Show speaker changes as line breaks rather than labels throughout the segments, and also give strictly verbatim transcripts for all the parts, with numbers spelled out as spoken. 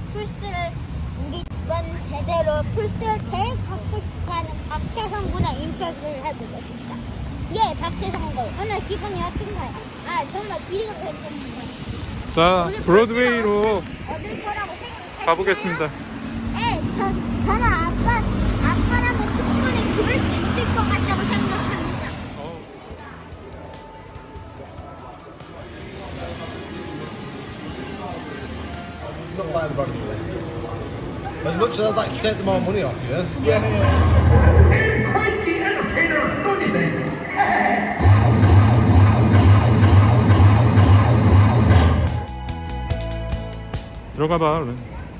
플스를 우리 집안 대대로 플스를 제일 갖고 싶어하는 박태성 군의 인터뷰를 해보겠습니다. 예, 박태성 군. 오늘 기분이 어떤가요? 아, 정말 기대가 됐습니다.
자, 브로드웨이로
얻을 거라고 생각해요.
가보겠습니다.
네, 저, 저는 아빠, 아빠라면 충분히 그럴 수 있을 것 같다고 생각합니다.
Not buying the brand new one. As much as I'd like to take the more money off you.
Yeah. Quite the entertainer, don't you think?
들어가봐, 얼른.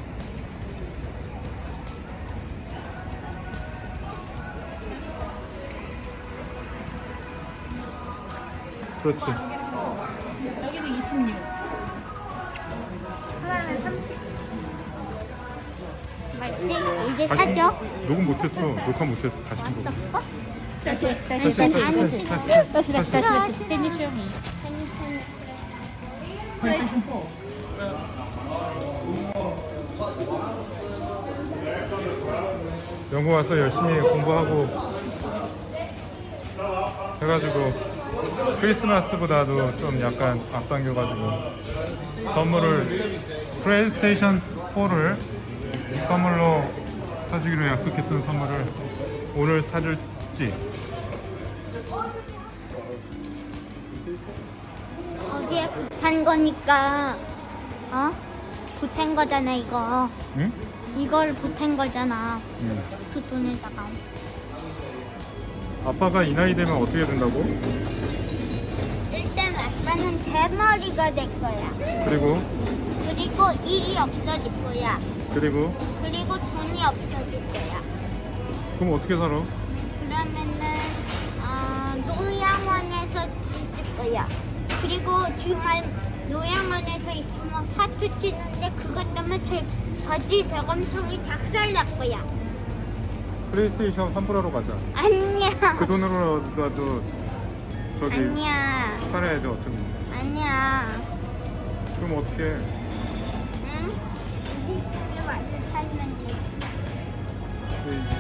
그렇지.
여기는 이십육. 하나는 삼십.
맞지? 이제 사죠?
녹음 못했어. 녹화 못했어. 다시 좀 보고.
어?
다시, 다시,
다시,
다시,
다시,
다시,
다시,
다시, 다시, 다시, 다시. Can you show me?
영국 와서 열심히 공부하고 해가지고 크리스마스보다도 좀 약간 앞당겨가지고 선물을 플레이스테이션 포를 선물로 사주기로 약속했던 선물을 오늘 사줄지.
거기에 보탠 거니까 어? 보탠 거잖아 이거.
응?
이걸 보탠 거잖아.
응.
그 돈에다가.
아빠가 이 나이 되면 어떻게 된다고?
일단 아빠는 대머리가 될 거야.
그리고
그리고 일이 없어질 거야.
그리고
그리고 돈이 없어질 거야.
그럼 어떻게 살아?
그러면은 어, 노양원에서 있을 거야. 그리고 주말 노양원에서 있으면 파트 치는데 그것 때문에 제 바지 대검통이 작살날 거야.
플레이스테이션 환불하러 가자.
아니야.
그 돈으로라도 저기
아니야.
살아야지 어쩌면.
아니야.
그럼 어떻게?
응? 우리 집에 와서 살면 돼.
그